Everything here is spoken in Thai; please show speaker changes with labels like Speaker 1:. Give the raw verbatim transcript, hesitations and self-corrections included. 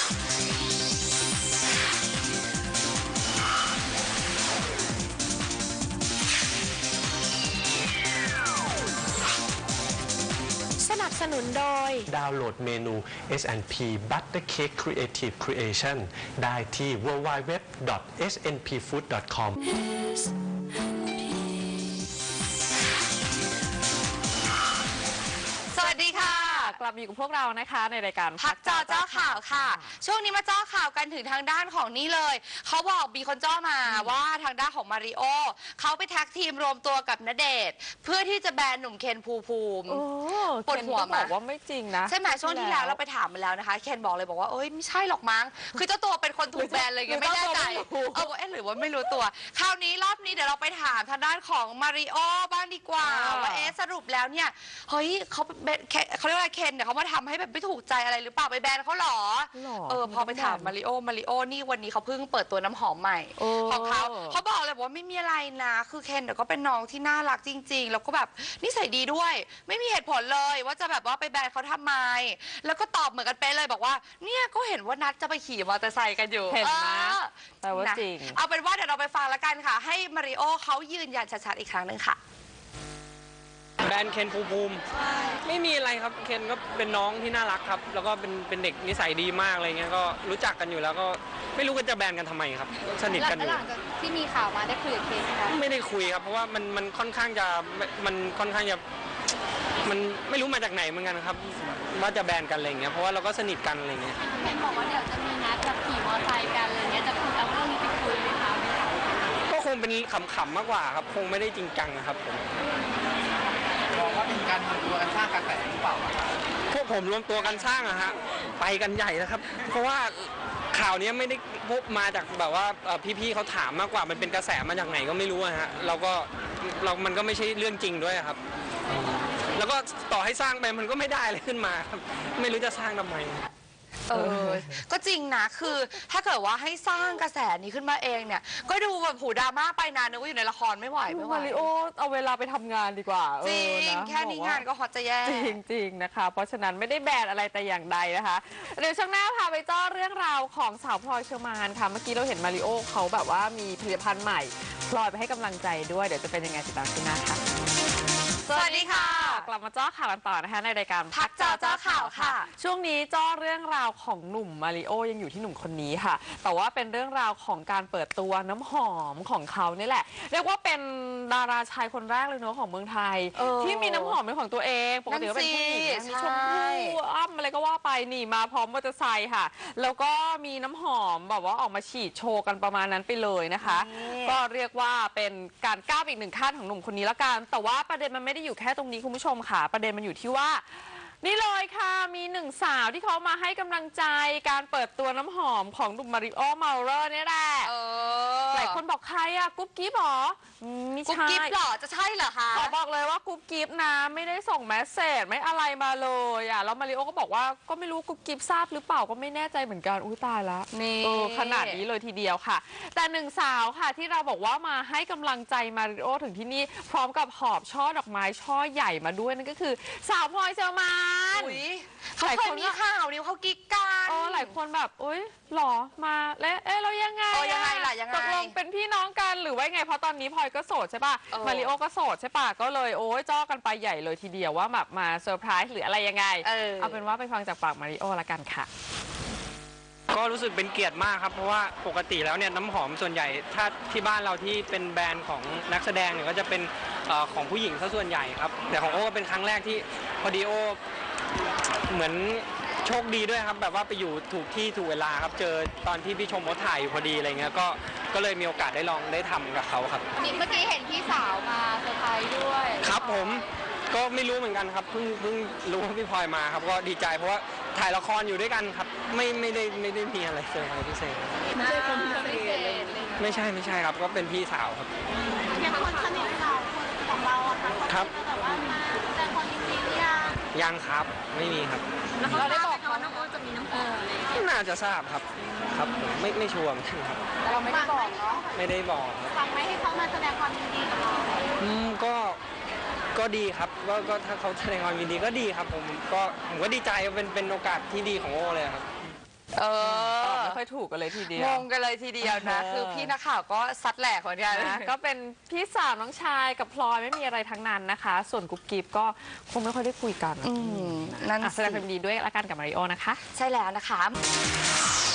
Speaker 1: สนับสนุนโดย
Speaker 2: ดาวน์โหลดเมนู เอส แอนด์ พี Butter Cake Creative Creation ได้ที่ ดับเบิลยู ดับเบิลยู ดับเบิลยู ดอท เอส เอ็น พี ฟู้ด ดอท คอม
Speaker 3: สวัสดีค่ะ
Speaker 4: กลับมาอยู่กับพวกเรานะคะในรายการ
Speaker 3: พักจอเจ้าข่าวค่ะ ช่วงนี้มาเจ้าข่าวกันถึงทางด้านของนี่เลยเขาบอกมีคนเจ้ามาว่าทางด้านของมาริโอเขาไปแท็กทีมรวมตัวกับณเดชน์เพื่อที่จะแบนหนุ่มเคนภูมิภูมิปวดหัว
Speaker 4: บอกว่าไม่จริงนะ
Speaker 3: ใช่ไหมช่วงที่แล้วเราไปถามมาแล้วนะคะเคนบอกเลยบอกว่าเอ้ยไม่ใช่หรอกมั้งคือเจ้าตัวเป็นคนถูกแบนเลยไงไม่แน่ใจเออเอ๊ะหรือว่าไม่รู้ตัวคราวนี้รอบนี้เดี๋ยวเราไปถามทางด้านของมาริโอบ้างดีกว่าว่าเอ๊ะสรุปแล้วเนี่ยเฮ้ยเขาเขาเรียกว่าเคนเนี่ยเขามาทำให้แบบไม่ถูกใจอะไรหรือเปล่าไปแบนเขาหรอเออพอไปถามมาริโอมาริโอนี่วันนี้เขาเพิ่งเปิดตัวน้ำหอมใหม่ของเขาเขาบอกเลยว่าไม่มีอะไรนะคือเคนเดี๋ยวก็เป็นน้องที่น่ารักจริงๆแล้วก็แบบนิสัยดีด้วยไม่มีเหตุผลเลยว่าจะแบบว่าไปแบนเขาทำไมแล้วก็ตอบเหมือนกันเป๊ะเลยบอกว่าเนี่ยก็เห็นว่านัดจะไปขี่มอเตอร์ไซค์กันอยู่
Speaker 4: เห็นไหมแต่ว่าจริง
Speaker 3: เอาเป็นว่าเดี๋ยวเราไปฟังแล้วกันค่ะให้มาริโอเขายืนยันชัดๆอีกครั้งหนึ่งค่ะ
Speaker 5: แบรนด์เคนภูมิภูมิไม่มีอะไรครับเคนก็เป็นน้องที่น่ารักครับแล้วก็เป็นเป็นเด็กนิสัยดีมากอะไรเงี้ยก็รู้จักกันอยู่แล้วก็ไม่รู้กันจะแบนกันทำไมครับสนิทกันอยู่
Speaker 6: หลังจากที่มีข่าวมาได้คุยกับเคนไหมคะ
Speaker 5: ไม่ได้คุยครับเพราะว่ามันมันค่อนข้างจะมันค่อนข้างจะมันไม่รู้มาจากไหนเหมือนกันครับว่าจะแบนกันอะไรเงี้ยเพราะว่าเราก็สนิทกันอะไรเงี้ย
Speaker 6: เคนบอกว่าเดี๋ยวจะมีนัดแบบขี่มอเตอร์ไซค์กันอะไรเงี้ยจะคุยเอาเรื่องนี้ไปคุยไหมคะ
Speaker 5: ก็คงเป็นขำๆมากกว่าครับคงไม่ได้จริงจังนะครับผม
Speaker 7: มองว่าเป็นการรวมตัวกันสร้างกระแสหรือเปล่า
Speaker 5: พวกผมรวมตัวกันสร้างอะฮะไปกันใหญ่แล้วครับเพราะว่าข่าวนี้ไม่ได้พบมาจากแบบว่าพี่ๆเขาถามมากกว่ามันเป็นกระแสมาจากไหนก็ไม่รู้อะฮะเราก็เรามันก็ไม่ใช่เรื่องจริงด้วยครับแล้วก็ต่อให้สร้างไปมันก็ไม่ได้อะไรขึ้นมาครับไม่รู้จะสร้างทำไม
Speaker 3: เออก็จริงนะคือถ้าเกิดว่าให้สร้างกระแสนี้ขึ้นมาเองเนี่ยก็ดูแบบผูดราม่าไปนานนึกว่าอยู่ในละครไม่ไหวไม่ไหว
Speaker 4: มาริโอเอาเวลาไปทำงานดีกว่า
Speaker 3: จริงแค่นี้งานก็ฮอตจะแย่
Speaker 4: จริงจริงนะคะเพราะฉะนั้นไม่ได้แบนอะไรแต่อย่างใดนะคะเดี๋ยวช่วงหน้าพาไปเจ้าเรื่องราวของสาวพลอยเชอร์มานค่ะเมื่อกี้เราเห็นมาริโอเขาแบบว่ามีผลิตภัณฑ์ใหม่พลอยไปให้กำลังใจด้วยเดี๋ยวจะเป็นยังไงติดตามช่วงหน้าค่ะ
Speaker 3: สวัสดีค่ะ
Speaker 4: กลับมาเจ้าข่าวกันต่อนะคะในรายการ
Speaker 3: พักเจ้าเจ้าข่าวค่ะ
Speaker 4: ช่วงนี้เจ้าเรื่องราวของหนุ่มมาริโอยังอยู่ที่หนุ่มคนนี้ค่ะแต่ว่าเป็นเรื่องราวของการเปิดตัวน้ำหอมของเขานี่แหละเรียกว่าเป็นดาราชายคนแรกเลยเนาะของเมืองไทยที่มีน้ำหอมเป็นของตัวเองปกติก็เป็นผู้หญิงมีชมพู่อ้ำอะไรก็ว่าไปนี่มาพร้อมมอเตอร์ไซค์ค่ะแล้วก็มีน้ำหอมแบบว่าออกมาฉีดโชว์กันประมาณนั้นไปเลยนะคะก็เรียกว่าเป็นการก้าวอีกหนึ่งขั้นของหนุ่มคนนี้ละกันแต่ว่าประเด็นมันไม่ได้อยู่แค่ตรงนี้คุณผู้ชมค่ะประเด็นมันอยู่ที่ว่านี่เลยค่ะมีหนึ่งสาวที่เขามาให้กำลังใจการเปิดตัวน้ำหอมของหนุ่มมาริโอเมาเลอร์นี่แหละหลายคนบอกใครอะกุ๊บกิ๊บหรอไม่ใช่
Speaker 3: กุ๊บกิ๊บหรอจะใช่เหรอคะ
Speaker 4: ขอบอกเลยว่ากุ๊บกิ๊บนะไม่ได้ส่งแมสเซจไม่อะไรมาเลยอะแล้วมาริโอก็บอกว่าก็ไม่รู้กุ๊บกิ๊บทราบหรือเปล่าก็ไม่แน่ใจเหมือนกันอุ้ยตายแล้ว
Speaker 3: นี่
Speaker 4: ขนาดนี้เลยทีเดียวค่ะแต่หนึ่งสาวค่ะที่เราบอกว่ามาให้กำลังใจมาริโอถึงที่นี่พร้อมกับหอบช่อดอกไม้ช่อใหญ่มาด้วยนั่นก็คือสาวพลอยเชอร์มาน
Speaker 3: เขาเคยมีข่าวนี้เขากิ๊กกัน
Speaker 4: โอ้หลายคนแบบอุ้ยหรอมาแล้วเอ๊ะเรายังไง
Speaker 3: ยังไงล่ะยังไง
Speaker 4: ตกลงเป็นพี่น้องกันหรือว่าไงเพราะตอนนี้พลอยก็โสดใช่ป่ะมาริโอก็โสดใช่ป่ะก็เลยโอ้ยจ้อกันไปใหญ่เลยทีเดียวว่าแบบมาเซอร์ไพรส์หรืออะไรยังไงเอาเป็นว่าไปฟังจากปากมาริโอละกันค่ะ
Speaker 5: ก็รู้สึกเป็นเกียรติมากครับเพราะว่าปกติแล้วเนี่ยน้ำหอมส่วนใหญ่ถ้าที่บ้านเราที่เป็นแบรนด์ของนักแสดงเนี่ยก็จะเป็นของผู้หญิงซะส่วนใหญ่ครับแต่ของโอ้ก็เป็นครั้งแรกที่พอดีโอเหมือนโชคดีด้วยครับแบบว่าไปอยู่ถูกที่ถูกเวลาครับเจอตอนที่พี่ชมเขาถ่ายอยู่พอดีอะไรเงี้ยก็ก็เลยมีโอกาสได้ลองได้ทำกับเขาครับ
Speaker 6: เมื่อกี้เห็นพี่สาวมาเซอร์ไพรส์ด้วย
Speaker 5: ครับผมก็ไม่รู้เหมือนกันครับเพิ่งเพิ่งรู้ว่าพี่พลอยมาครับก็ดีใจเพราะว่าถ่ายละครอยู่ด้วยกันครับไม่ไม่ได้ไม่ได้มีอะไรเซอร์ไพรส์พิเศษ
Speaker 6: ไม่ใช่คนพิเศษ
Speaker 5: ไม่ใช่ไม่ใช่ครับก็เป็นพี่สาวครับ
Speaker 6: อย่างคนสนิทเราของเราอะค่ะ
Speaker 5: ครับ
Speaker 6: แต่ว่ามาแต่คนจริงๆยัง
Speaker 5: ยังครับไม่มีครับ
Speaker 6: เราได้บอกเขาว่าน้องจะมีน้ำหอมอะไร
Speaker 5: น่าจะทราบครับครับผมไม่ไม่ชัวร์เหมือนกันครับ
Speaker 6: แต่เราไม่ได้บอกเนาะ
Speaker 5: ไม่ได้บอก
Speaker 6: ฟังไหมให้เขามาแสดงความยินดีกับเรา
Speaker 5: อืมก็ก็ดีครับว่าก็ถ้าเขาแสดงความยินดีก็ดีครับผมก็ผมก็ดีใจเป็นเป็นโอกาสที่ดีของโอเลยครับ
Speaker 3: เออ
Speaker 4: ถูกกันเลยทีเดียว
Speaker 3: งงกันเลยทีเดียวนะ
Speaker 4: เออ
Speaker 3: คือพี่นักข่าวก็ซัดแหลกเหมือนกัน
Speaker 4: นะก็เป็นพี่สาวน้องชายกับพลอยไม่มีอะไรทั้งนั้นนะคะ ส่วนกุ๊บกิ๊บก็คงไม่ค่อยได้คุยกัน
Speaker 3: อืมนั่น
Speaker 4: อ่ะแส
Speaker 3: สิ
Speaker 4: ดงความยินดีด้วยละกันกับมาริโอนะคะ
Speaker 3: ใช่แล้วนะคะ